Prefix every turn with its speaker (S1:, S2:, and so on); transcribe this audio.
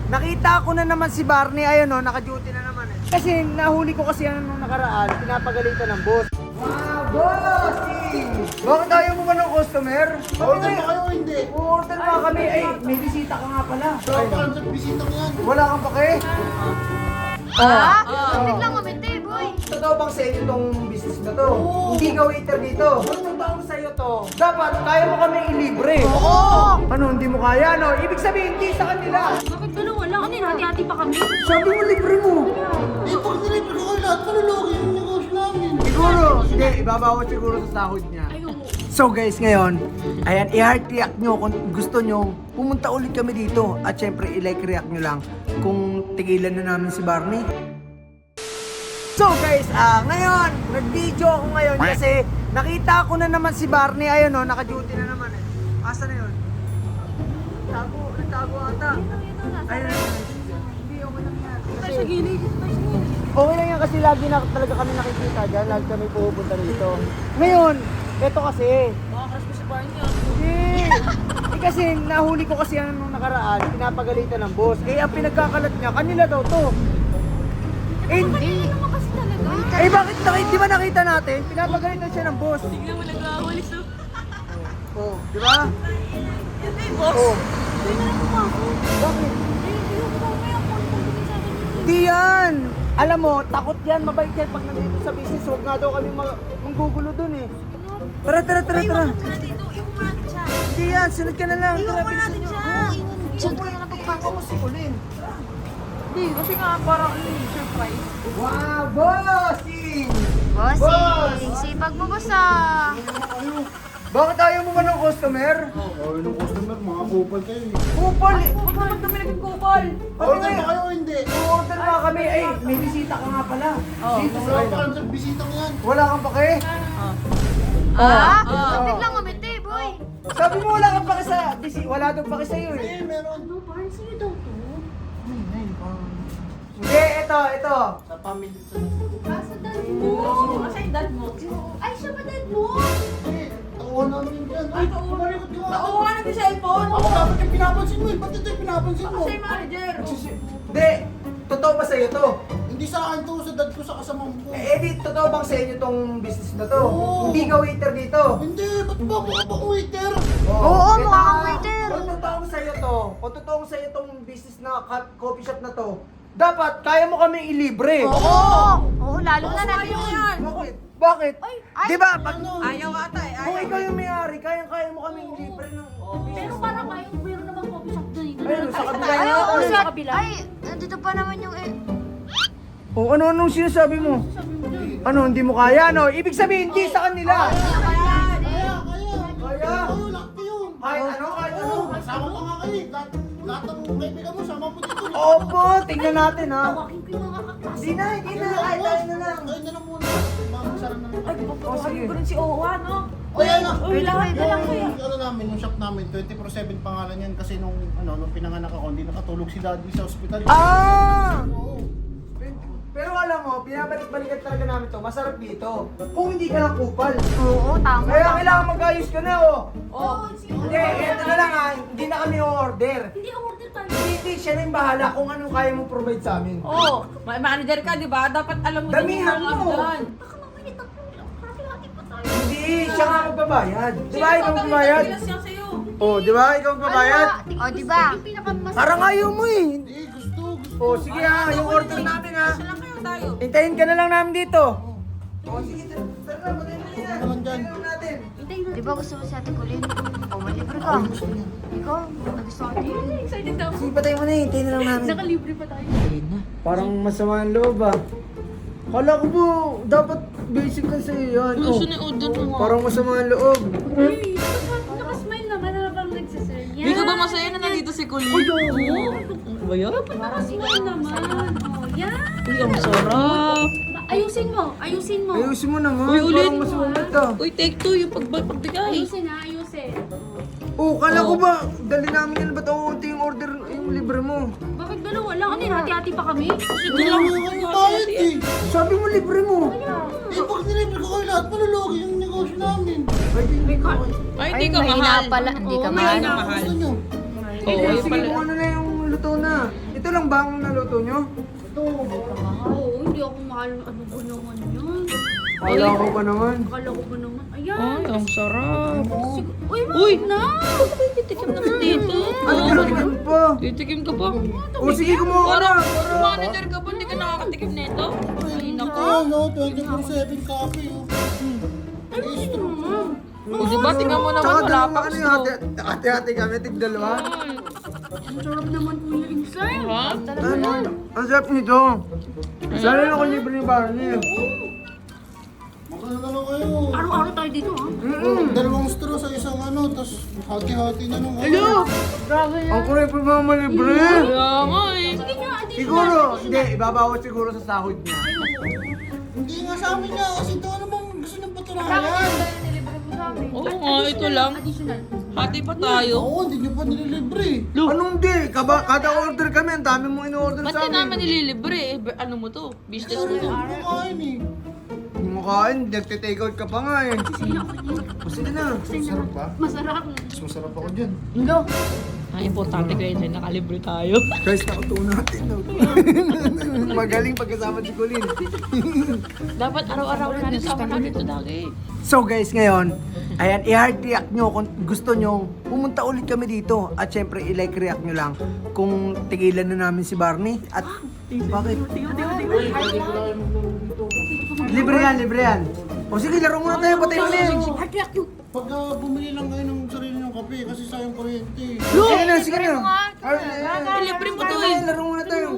S1: Nakita ko na naman si Barney, ayun o, naka-duty na naman eh. Kasi nahuli ko kasi yan nung nakaraan, pinapagalitan ng boss. Wow, bossing! Bakit ayaw mo ba ng customer?
S2: Order ba kayo o hindi?
S1: Order ba kami? Ay, may bisita ka nga pala.
S2: Saan sa bisita ko yan?
S1: Wala kang pake?
S3: Biglang umiti, boy.
S1: Totoo bang sa inyo itong business na to? Hindi ka waiter dito. Totoo sa'yo to. Dapat, kaya mo kami ilibre.
S3: Oo.
S1: Ano, hindi mo kaya, no? Ibig sabihin, hindi sa kanila.
S3: Bakit dalawa lang? Ano yun? Hati-hati pa kami.
S1: Sabi mo, libre mo.
S2: Eh, pag nilibre ko kayo lahat, malulugi yung negosyo namin.
S1: Siguro, hindi, ibabawas siguro sa sahod niya. So guys, ngayon, ayan, i-heart react nyo kung gusto nyo, pumunta ulit kami dito. At syempre, i-like react nyo lang kung tigilan na namin si Barney. So guys, ngayon, nag-video ako ngayon kasi nakita ko na naman si Barney, ayun o, naka-duty na naman eh. Asa na yun? Nagtago ata. Ayun, hindi, okay lang yan. Kasi, okay lang yan kasi lagi na talaga kami nakikita dyan, lagi kami pupunta dito. Ngayon, eto kasi.
S3: Makakras ko si Barney.
S1: Hindi. Kasi nahuli ko kasi yan nung nakaraan, pinapagalitan ng boss. Eh, ang pinagkakalat niya, kanila daw to. Eh,
S3: Hindi naman kasi talaga.
S1: eh bakit di ba nakita natin? Pinapagalitan siya ng boss.
S3: Tignan mo nag-aawalis na.
S1: Oh, di ba?
S3: Yan na yung boss.
S1: Oh.
S3: Hindi na lang ako.
S1: Bakit?
S3: Hindi ko mamaya ako pagdating sa akin.
S1: Di yan. Alam mo, takot yan, mabait yan pag nandito sa business. Huwag nga daw kami manggugulo dun eh. Tara.
S3: Tara dito, iwan mo natin siya.
S1: Hindi yan, sunod ka na lang.
S3: Iwan mo natin siya. Iwan mo na lang pagpasok.
S1: Ako si Colin.
S3: Hindi, kasi nga parang surprise.
S1: Wow, bossing!
S3: Bossing, sipag mo boss ah.
S1: Bakit ayaw mo ba ng customer?
S2: Oh, yung customer, mga kupal kayo eh.
S1: Kupal eh.
S3: Huwag naman kami naging kupal.
S2: Order ba kayo o hindi?
S1: Order ba kami? Ay, may bisita ka nga pala. Dito sa
S2: Saan sa bisita ko yan?
S1: Wala kang pake?
S3: Biglang umiti, boy.
S1: Sabi mo wala kang pake sa... Wala daw pake sa'yo eh.
S2: Eh, meron.
S3: Ano, parang sa'yo daw to?
S1: Hindi, ito.
S2: Sa family to.
S3: Sa dad mo. Kasi yung dad mo. Ay, siya ba dad mo?
S2: Eh, tauhan namin dyan. Ay, kumalikot ka nga.
S3: Nauuha na yung cellphone.
S2: Ako dapat yung pinapansin mo eh. Ba't ito yung pinapansin mo?
S3: Kasi yung manager.
S1: Hindi, totoo ba sa'yo to?
S2: Hindi sa akin to, sa dad ko sa kasamang ko.
S1: Di, totoo bang sa inyo tong business na to?
S2: Oo.
S1: Hindi ka waiter dito?
S2: Hindi, ba't ba ako bang waiter?
S3: Oo,
S1: Ito,
S3: mukha kang waiter.
S1: Kung totoong sa'yo to, kung totoong sa'yo tong business na coffee shop na to, dapat kaya mo kami ilibre.
S3: Oo, lalo na natin yan.
S1: Bakit?
S3: Ay.
S1: Di ba? Pag,
S3: Ayaw ata eh.
S1: kung ikaw yung may-ari, kaya mo kami ilibre ng
S3: Pero parang kayo, meron naman coffee shop doon.
S1: Ayun, sa kabila
S3: Ay,
S1: niya.
S3: oo,
S1: Ayun.
S3: sa kabila. Ay, nandito pa naman yung
S1: O anong sinasabi mo? Ano, hindi mo kaya, no? Ibig sabihin, hindi sa kanila.
S2: Kaya.
S1: Kaya?
S2: Kayo, lahat kayo.
S1: Kahit ano?
S2: Sama pa nga kayo. Lahat ng kaibigan mo, sama mo dito.
S1: Opo, tingnan natin, ha?
S3: Tawagin ko yung mga kaklase.
S1: Hindi na, kahit tayo na lang.
S2: Kayo na lang muna. Magsarang na lang.
S3: Ay, papatawagin ko rin si Owa, no?
S2: Kaya na.
S3: Uy, lahat na lang kuya.
S2: Yung ano namin, yung shop namin, 24/7 pangalan yan kasi nung pinanganak ako, hindi nakatulog si daddy sa ospital.
S1: Ah!
S2: Oo.
S1: Pero alam mo, binabalik-balikan talaga namin to. Masarap dito. Kung hindi ka lang kupal.
S3: Oo, tama.
S1: Kaya kailangan mag-ayos ka na, oh.
S3: Oo,
S1: Hindi, eto na lang, ha. Hindi na kami order.
S3: Hindi order tayo.
S1: Hindi, siya na yung bahala kung anong kaya mo provide sa amin.
S4: Oo, may manager ka, di ba? Dapat alam mo
S1: Damihan
S4: din yung
S1: mo.
S4: mga doon.
S3: Baka mamaya hati-hati pa tayo.
S1: Hindi, siya nga magbabayad. Di ba ikaw magbabayad?
S4: Bilas yan sa'yo.
S1: Oh, di ba ikaw magbabayad?
S3: O, di ba? Yung pinakamasarap.
S1: Parang ayaw mo eh.
S2: Hindi, gusto.
S1: Oh, sige ha, yung order namin ha.
S4: Isa lang kayo tayo.
S1: Hintayin ka na lang namin dito. Oh, sige, tara na, patayin mo na.
S2: naman dyan.
S1: Patayin natin.
S3: Di ba gusto mo si Ate Colin? O, malibre ka. Ikaw, gusto ko din. Excited daw.
S1: Sige, patayin mo na, hintayin na lang namin.
S3: Nakalibre pa tayo.
S1: Parang masama ang loob ah. Kala ko po, dapat basic lang sa'yo yan. Oh,
S4: order mo.
S1: parang masama ang loob.
S3: Uy, nakasmile naman na bang nagsaserve.
S4: Hindi ka ba masaya na nandito si Colleen?
S1: Uy, oo.
S4: Ano ba yan?
S3: Nakasmile naman. O, yan.
S4: Uy, ang sarap.
S3: Ayusin mo, ayusin mo.
S1: Ayusin mo naman,
S4: Uy, ulit.
S1: parang masungit ah.
S4: Uy, take two yung pagbigay.
S3: Ayusin ha, ayusin.
S1: Oh, kala ko ba, dali namin yan, ba't uuti yung order, yung libre mo?
S3: Bakit dalawa lang? Ano yun, hati-hati pa kami?
S2: Hindi lang yung bayad eh.
S1: Sabi mo libre mo.
S2: Eh, pag nilibre ko kayo lahat, malulugi yung negosyo namin.
S4: Ay, hindi ka mahal.
S3: pala, hindi ka
S4: Oo,
S3: mahal.
S4: mahal.
S2: Gusto nyo?
S4: Oo,
S1: Eh,
S4: yun
S1: sige,
S4: pala.
S1: kung ano na yung luto na. Ito Ito lang ba ang naluto nyo?
S2: Ito.
S3: Oo, hindi ako mahal. Ano ba naman yun?
S1: Wala ko pa naman.
S3: Akala ko ba naman? Ayan.
S4: Ay, ang sarap.
S3: Uy,
S4: Uy!
S3: na!
S4: Titikim naman dito.
S1: Ano kinatikim pa?
S4: Titikim ka ba?
S1: O sige, kumuha ka na.
S4: Parang manager ka ba? Hindi ka nakakatikim nito? Ay, naku.
S2: Ano, 24/7 coffee oh.
S4: O, diba? Tingnan mo naman,
S1: Tsaka
S4: wala
S1: dalawa
S4: pang
S1: ano
S4: straw.
S1: yung hati-hati kami, tig-dalawa.
S3: Ang sarap naman po yung inside.
S4: Ha?
S1: Ano? Ang sarap nito. Sana lang ako libre ni Barney.
S2: Magkano na lang kayo?
S3: Araw-araw tayo dito, ha?
S2: Dalawang straw sa isang ano, tapos hati-hati na nung
S1: Hello!
S3: Grabe
S1: Ang kuray pa mga libre.
S4: Kaya nga eh.
S3: Sige nga,
S1: Siguro, hindi, ibabawas siguro sa sahod niya.
S2: Hindi nga sa amin nga, kasi ito ano bang gusto niyang
S3: Bakit
S2: patulayan?
S3: yung nilibre mo sa amin?
S4: Oo nga, ito lang.
S3: Additional.
S4: Hati pa tayo.
S2: Oo, hindi niyo pa nililibre.
S1: Anong di? Kada order kami, ang dami mong in-order
S4: Ba't
S1: sa
S4: ka naman
S1: amin.
S4: nililibre eh? Ano mo to? Business mo
S2: Kasi
S4: to.
S2: ito kumakain eh.
S1: Hindi mo kain, nagte-take out ka pa nga eh.
S3: Sige na ako niya.
S1: O sige na.
S2: Masarap ba?
S3: Masarap.
S2: Mas masarap ako dyan.
S3: Hello.
S4: Ang importante kayo na nakalibre tayo.
S1: Guys, nakutuon natin. No? Magaling pagkasama si Colin.
S4: Dapat araw-araw natin sama natin ito lagi.
S1: So guys, ngayon, ayan, i-heart react nyo kung gusto nyo, pumunta ulit kami dito. At syempre, i-like react nyo lang kung tigilan na namin si Barney. At bakit? Libre yan, libre yan. O sige, laro muna tayo, patay ulit.
S3: Heart react you.
S2: Pagka bumili lang kayo ng sarili ng kape, kasi sayang kuryente.
S1: Sige na, sige na.
S3: Libre mo nga.
S1: Ay,
S4: Libre mo to
S1: Laro
S4: eh.
S1: muna tayo.